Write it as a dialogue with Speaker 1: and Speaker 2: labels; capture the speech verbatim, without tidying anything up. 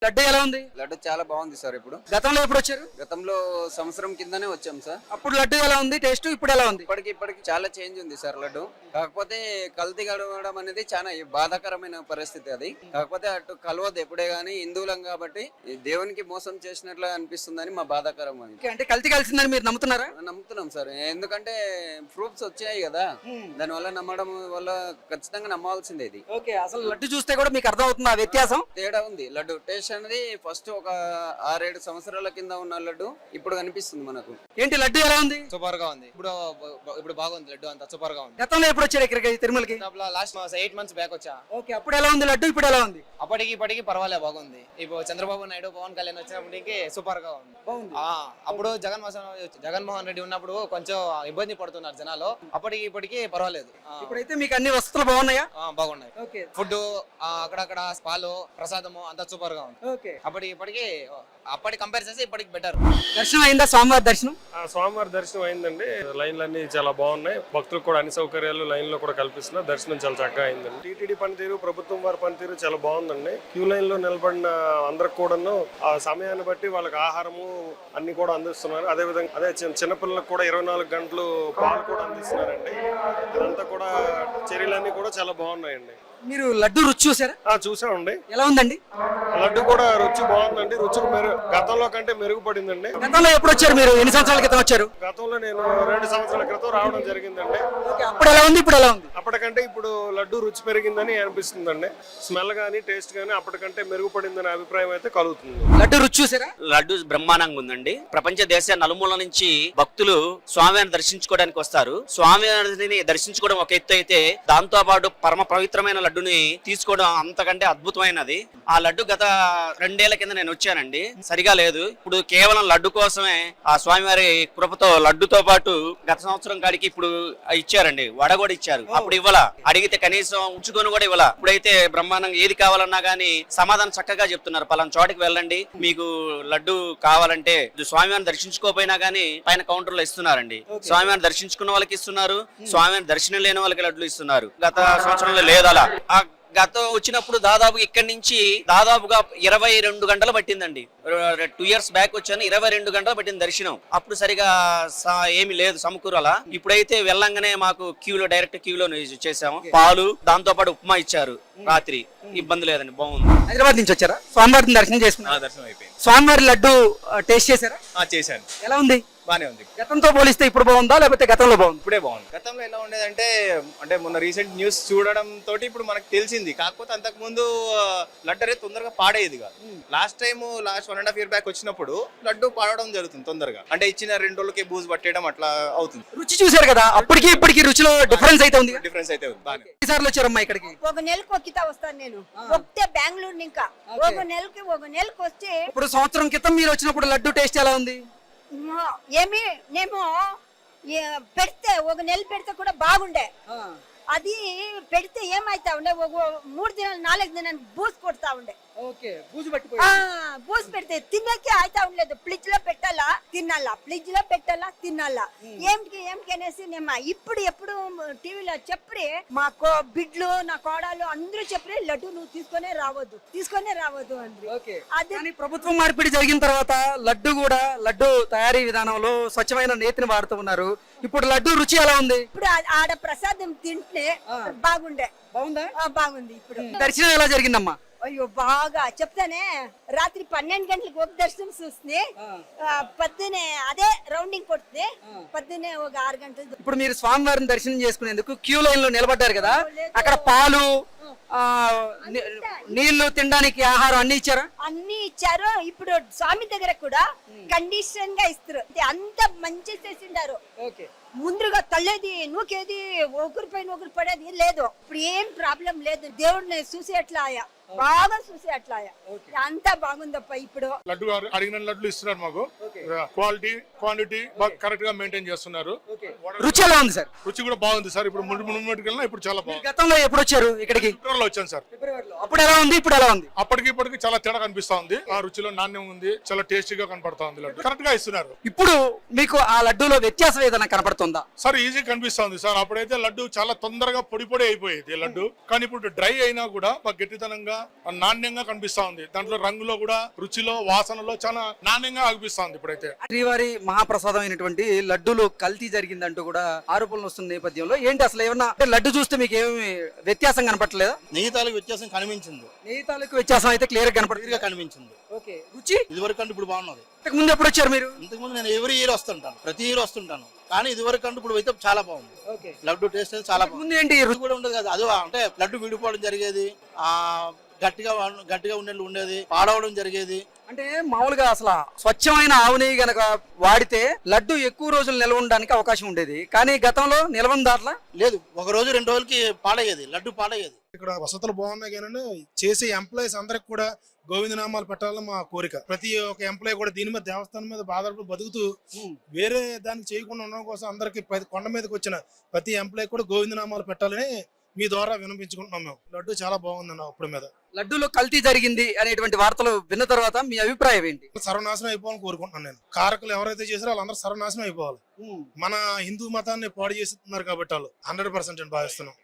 Speaker 1: లడ్డు ఎలా ఉంది?
Speaker 2: లడ్డు చాలా బాగుంది సార్. ఇప్పుడు
Speaker 1: గతంలో ఎప్పుడు వచ్చారు?
Speaker 2: గతంలో సంవత్సరం కిందనే వచ్చాం సార్.
Speaker 1: అప్పుడు లడ్డు ఎలా ఉంది టేస్ట్, ఇప్పుడు ఎలా ఉంది?
Speaker 2: ఇప్పటికి ఇప్పటికి చాలా చేంజ్ ఉంది సార్ లడ్డు. కాకపోతే కల్తీ గడవడం అనేది చాలా బాధాకరమైన పరిస్థితి అది. కాకపోతే అటు కలవద్దు ఎప్పుడే గానీ, హిందువులం కాబట్టి దేవునికి మోసం చేసినట్లు అనిపిస్తుందని మా బాధాకరం అది.
Speaker 1: అంటే కల్తీ కలిసిందని మీరు నమ్ముతున్నారా?
Speaker 2: నమ్ముతున్నాం సార్, ఎందుకంటే ప్రూఫ్స్ వచ్చాయి కదా, దాని వల్ల నమ్మడం వల్ల ఖచ్చితంగా నమ్మాల్సిందే ఇది.
Speaker 1: ఓకే, అసలు లడ్డు చూస్తే కూడా మీకు అర్థం అవుతుంది ఆ వ్యత్యాసం?
Speaker 2: తేడా ఉంది. లడ్డు టేస్ట్ అనేది ఫస్ట్ ఒక ఆరేడు సంవత్సరాల కింద ఉన్న లడ్డు ఇప్పుడు కనిపిస్తుంది మనకు.
Speaker 1: ఏంటి లడ్డు ఎలా ఉంది?
Speaker 3: సూపర్ గా ఉంది. ఇప్పుడు ఇప్పుడు బాగుంది లడ్డు, అంతా సూపర్ గా ఉంది.
Speaker 1: గతంలో ఎప్పుడు వచ్చారు ఇక్కడికి తిరుమలకి?
Speaker 3: లాస్ట్ ఎయిట్ మంత్స్ బ్యాక్ వచ్చా.
Speaker 1: ఓకే, అప్పుడు ఎలా ఉంది లడ్డు, ఇప్పుడు ఎలా ఉంది?
Speaker 3: అప్పటికి ఇప్పటికి పర్వాలే, బాగుంది. ఇప్పుడు చంద్రబాబు నాయుడు, పవన్ కళ్యాణ్ వచ్చినప్పటికి సూపర్ గా ఉంది. అప్పుడు జగన్మోహన్ జగన్మోహన్ రెడ్డి ఉన్నప్పుడు కొంచెం ఇబ్బంది పడుతున్నారు జనాలు, అప్పటికి ఇప్పటికి పర్వాలేదు.
Speaker 1: ఇప్పుడైతే మీకు అన్ని వసతులు బాగున్నాయా?
Speaker 3: బాగున్నాయి. ఫుడ్ అక్కడక్కడ పాలు ప్రసాదము అంతా సూపర్ గా ఉంది.
Speaker 1: ఓకే,
Speaker 3: అప్పటికి ఇప్పటికి అప్పటి కంపేర్ చేస్తే ఇప్పటికి బెటర్.
Speaker 1: దర్శనం అయిందా? స్వామివారి దర్శనం
Speaker 4: స్వామివారి దర్శనం అయిందండి. లైన్లు అన్ని చాలా బాగున్నాయి. భక్తులకు కూడా అన్ని సౌకర్యాలు లైన్ లో కూడా కల్పిస్తున్నారు. దర్శనం చాలా చక్కగా అయిందండి. టీటీడీ పనితీరు, ప్రభుత్వం వారి పనితీరు చాలా బాగుందండి. క్యూ లైన్ లో నిలబడిన అందరికి కూడాను ఆ సమయాన్ని బట్టి వాళ్ళకి ఆహారము అన్ని కూడా అందిస్తున్నారు. అదే విధంగా అదే చిన్నపిల్లలకు కూడా ఇరవై నాలుగు గంటలు పాలు కూడా అందిస్తున్నారండి. ఇదంతా కూడా చర్యలన్నీ కూడా చాలా బాగున్నాయండి.
Speaker 1: మీరు లడ్డు రుచి చూసారా?
Speaker 4: చూసామండి.
Speaker 1: ఎలా ఉందండి?
Speaker 4: లడ్డు కూడా రుచి బాగుందండి. రుచి మెరుగు గతంలో కంటే మెరుగుపడిందండి.
Speaker 1: గతంలో ఎప్పుడు వచ్చారు మీరు? ఎన్ని సంవత్సరాల క్రితం వచ్చారు?
Speaker 4: గతంలో నేను రెండు సంవత్సరాల క్రితం రావడం జరిగిందండి.
Speaker 1: అప్పుడు ఎలా ఉంది, ఇప్పుడు ఎలా ఉంది?
Speaker 4: అప్పటికంటే ఇప్పుడు లడ్డు రుచి పెరిగిందని అనిపిస్తుందండి. స్మెల్ గానీ టేస్ట్ గానీ అప్పటికంటే మెరుగుపడిందనే అభిప్రాయం అయితే కలుగుతుంది.
Speaker 1: లడ్డు రుచి చూసారా?
Speaker 5: లడ్డు బ్రహ్మాండంగా ఉందండి. ప్రపంచ దేశ నలుమూల నుంచి భక్తులు స్వామివారిని దర్శించుకోవడానికి వస్తారు. స్వామివారిని దర్శించుకోవడం ఒక ఎత్తు అయితే, దాంతో పాటు పరమ పవిత్రమైన లడ్డుని తీసుకోవడం అంతకంటే అద్భుతమైనది. ఆ లడ్డు గత రెండేళ్ల కింద నేను వచ్చానండి, సరిగా లేదు. ఇప్పుడు కేవలం లడ్డు కోసమే ఆ స్వామివారి కృపతో లడ్డుతో పాటు గత సంవత్సరం కాడికి ఇప్పుడు ఇచ్చారండి, వడ కూడా ఇచ్చారు. అప్పుడు ఇవ్వాల, అడిగితే కనీసం ఉంచుకొని కూడా ఇవ్వాల. ఇప్పుడైతే బ్రహ్మాండంగా ఏది కావాలన్నా గానీ సమాధానం చక్కగా చెప్తున్నారు. పలానా చోటికి వెళ్ళండి, మీకు లడ్డు కావాలంటే స్వామివారిని దర్శించుకోపోయినా గానీ పైన కౌంటర్ లో ఇస్తున్నారండి. స్వామివారిని దర్శించుకున్న వాళ్ళకి ఇస్తున్నారు, స్వామివారిని దర్శనం లేని వాళ్ళకి లడ్లు ఇస్తున్నారు. గత సంవత్సరంలో లేదు అలా. గత వచ్చినప్పుడు దాదాపు ఇక్కడి నుంచి దాదాపుగా ఇరవై రెండు గంటలు పట్టిందండి. టూ ఇయర్స్ బ్యాక్ వచ్చాను, ఇరవై రెండు గంటలు పట్టింది దర్శనం. అప్పుడు సరిగా ఏమి లేదు సమకూరలా. ఇప్పుడైతే వెళ్ళంగానే మాకు క్యూలో డైరెక్ట్ క్యూలో చేసాము. పాలు దాంతో పాటు ఉప్మా ఇచ్చారు రాత్రి. ఇబ్బంది లేదండి, బాగుంది.
Speaker 1: హైదరాబాద్ నుంచి వచ్చారా? స్వామివారిని దర్శనం చేసుకున్నారు?
Speaker 3: దర్శనం అయిపోయింది.
Speaker 1: స్వామివారి లడ్డు టేస్ట్ చేశారా?
Speaker 3: చేశాను.
Speaker 1: ఎలా ఉంది?
Speaker 3: బానే ఉంది.
Speaker 1: గతంతో పోలిస్తే ఇప్పుడు బాగుందా లేకపోతే గతంలో బాగుంది?
Speaker 3: ఇప్పుడే బాగుంది. గతంలో ఎలా ఉండేదంటే, అంటే మొన్న రీసెంట్ న్యూస్ చూడడం తోటి ఇప్పుడు మనకు తెలిసింది. కాకపోతే అంతకు ముందు లడ్డు అనేది తొందరగా పాడేది కాదు. Last time last one and half year back వచ్చినప్పుడు లడ్డు పాడడం జరుగుతుంది తొందరగా. అంటే ఇచ్చిన రెండు రోజులకి బూజు పట్టేయడం అట్లా అవుతుంది.
Speaker 1: రుచి చూసారు కదా, అప్పటికి ఇప్పటికి రుచిలో డిఫరెన్స్ అయితే ఉంది.
Speaker 3: డిఫరెన్స్ అయితే ఉంది. బాగా
Speaker 1: సార్లు వచ్చారమ్మా ఇక్కడికి?
Speaker 6: ఒక నెలకు ఒక్కితా వస్తాను నేను. ఒక్కితే బెంగళూరు ఇంకా ఒక నెలకి ఒక నెలకు వచ్చి.
Speaker 1: ఇప్పుడు సంవత్సరం క్రితం మీరు వచ్చినప్పుడు లడ్డు టేస్ట్ ఎలా ఉంది?
Speaker 6: ఏమి నేను పెడితే ఒక నెల పెడితే కూడా బాగుండే. అది పెడితే ఏమైతా ఉండే, ఒక మూడు దినాలు నాలుగు దినాలు బూజు కొడతా ఉండే. బూజు పెడితే తినకే అయితా ఉండలేదు. ఫ్రిడ్జ్ లో పెట్టాలా తినాలా, ఫ్రిడ్జ్ లో పెట్టాలా తినాలా. ఏమిటి ఏమిటి అనేసి నేను ఇప్పుడు ఎప్పుడు టీవీలో చెప్పి మా బిడ్లు నా కోడలు అందరూ చెప్పి లడ్డు నువ్వు తీసుకొనే రావద్దు తీసుకొనే రావద్దు అని.
Speaker 1: అది ప్రభుత్వం మార్పిడి జరిగిన తర్వాత లడ్డు కూడా లడ్డు తయారీ విధానంలో స్వచ్ఛమైన నేతిని వాడుతూ ఉన్నారు. ఇప్పుడు లడ్డు రుచి ఎలా ఉంది?
Speaker 6: ఇప్పుడు ఆడ ప్రసాదం తింటే బాగుండే.
Speaker 1: బాగుందా?
Speaker 6: బాగుంది. ఇప్పుడు
Speaker 1: దర్శనం ఎలా జరిగిందమ్మా?
Speaker 6: అయ్యో బాగా చెప్తానే. రాత్రి పన్నెండు గంటలకు ఒక దర్శనం చూస్తుంది, పొద్దునే అదే రౌండింగ్ కొడుతుంది, పొద్దునే ఒక ఆరు గంటలు.
Speaker 1: ఇప్పుడు మీరు స్వామివారిని దర్శనం చేసుకునేందుకు క్యూ లైన్ లో నిలబడ్డారు కదా, అక్కడ పాలు నీళ్లు తినడానికి ఆహారం అన్ని ఇచ్చారా?
Speaker 6: అన్ని ఇచ్చారు. ఇప్పుడు స్వామి దగ్గర కూడా కండిషన్ గా ఇస్తారు. అంత మంచి చేసిండారు. ముందుగా తల్లేది నూకేది ఒకరిపైన ఒకరు పడేది లేదు. ఇప్పుడు ఏం ప్రాబ్లం లేదు. దేవుడిని చూసి అట్లా ఆయా బాగా చూసి అట్లా అంతా బాగుందప్ప. ఇప్పుడు
Speaker 7: లడ్డు అడిగిన లడ్లు ఇస్తున్నారు మాకు. క్వాలిటీ క్వాంటిటీ బాగా కరెక్ట్ గా మెయింటైన్ చేస్తున్నారు.
Speaker 1: రుచి ఎలా ఉంది సార్?
Speaker 7: రుచి కూడా బాగుంది సార్. ఇప్పుడు ముందు ముందు కన్నా ఇప్పుడు చాలా బాగుంది.
Speaker 1: గతంలో ఎప్పుడు వచ్చారు ఇక్కడికి?
Speaker 7: ఫిబ్రవరిలో వచ్చాను సార్.
Speaker 1: అప్పుడు ఎలా ఉంది, ఇప్పుడు ఎలా ఉంది?
Speaker 7: అప్పటికి ఇప్పటికి చాలా తేడా కనిపిస్తా ఉంది. ఆ రుచిలో నాణ్యం ఉంది, చాలా టేస్టీగా కనపడతా ఉంది. లడ్డు కరెక్ట్ గా ఇస్తున్నారు.
Speaker 1: ఇప్పుడు మీకు ఆ లడ్డూలో వ్యత్యాసం ఏదైనా కనపడుతుందా?
Speaker 7: సార్ ఈజీ కనిపిస్తా ఉంది సార్. అప్పుడైతే లడ్డు చాలా తొందరగా పొడి పొడి అయిపోయేది లడ్డు, కానీ ఇప్పుడు డ్రై అయినా కూడా బాగా గట్టితనంగా నాణ్యంగా కనిపిస్తా ఉంది. దాంట్లో రంగులో కూడా, రుచిలో, వాసనలో చాలా నాణ్యంగా అనిపిస్తా ఉంది ఇప్పుడైతే.
Speaker 1: శ్రీవారి మహాప్రసాదం అయినటువంటి లడ్డూలో కల్తీ జరిగిందంటూ కూడా ఆరోపణలు వస్తున్న నేపథ్యంలో ఏంటి అసలు ఏమన్నా అంటే లడ్డు చూస్తే మీకు ఏమి వ్యత్యాసం కనపడలేదా?
Speaker 8: నెయ్యి తాలూకు వ్యత్యాసం కనిపించింది,
Speaker 1: నెయ్యి తాలూకు వ్యత్యాసం అయితే క్లియర్ గా కనపడుతుంది.
Speaker 8: కనిపించింది.
Speaker 1: ఓకే, రుచి
Speaker 8: ఇదివరకు అంటే ఇప్పుడు బాగున్నది.
Speaker 1: ఇంతకు ముందు ఎప్పుడు వచ్చారు మీరు?
Speaker 8: ఇంతకు ముందు నేను ఎవ్రీ ఇయర్ వస్తుంటాను, ప్రతి ఇయర్ వస్తుంటాను, కానీ ఇదివరకు అంటే ఇప్పుడు అయితే చాలా బాగుంది.
Speaker 1: ఓకే,
Speaker 8: లడ్డు టేస్ట్ అయితే చాలా బాగుంది.
Speaker 1: ముందు ఏంటి
Speaker 8: రుచి కూడా ఉండదు కదా, అది అంటే లడ్డు విడిపోవడం జరిగేది, ఆ గట్టిగా గట్టిగా ఉండేది ఉండేది పాడవడం జరిగేది.
Speaker 1: అంటే మామూలుగా అసలు స్వచ్ఛమైన ఆవు నెయ్యి గనక వాడితే లడ్డు ఎక్కువ రోజులు నిల్వ ఉండడానికి అవకాశం ఉండేది, కానీ గతంలో నిల్వ దాంట్లో
Speaker 8: లేదు, ఒక రోజు రెండు రోజులకి పాడయ్యేది, లడ్డు పాడయ్యేది.
Speaker 9: ఇక్కడ వసతులు బాగున్నాయి కానీ చేసే ఎంప్లాయీస్ అందరికి కూడా గోవిందనామాలు పెట్టాలని మా కోరిక. ప్రతి ఒక్క ఎంప్లాయీ కూడా దీని మీద దేవస్థానం మీద బాధపడి బతుకుతూ వేరే దాన్ని చేయకుండా ఉండడం కోసం అందరికి కొండ మీదకి వచ్చిన ప్రతి ఎంప్లాయీ కూడా గోవిందనామాలు పెట్టాలని మీ ద్వారా వినిపించుకుంటున్నాం. మేము లడ్డు చాలా బాగుందన్న అప్పుడు మీద.
Speaker 1: లడ్డూలో కల్తీ జరిగింది అనేటువంటి వార్తలు విన్న తర్వాత మీ అభిప్రాయం ఏంటి?
Speaker 9: సర్వనాశనం అయిపోవాలని కోరుకుంటున్నాను నేను. కారకులు ఎవరైతే చేసారో వాళ్ళందరూ సర్వనాశనం అయిపోవాలి. మన హిందూ మతాన్ని పాడు చేస్తున్నారు కాబట్టి వాళ్ళు హండ్రెడ్ పర్సెంట్ భావిస్తున్నాం.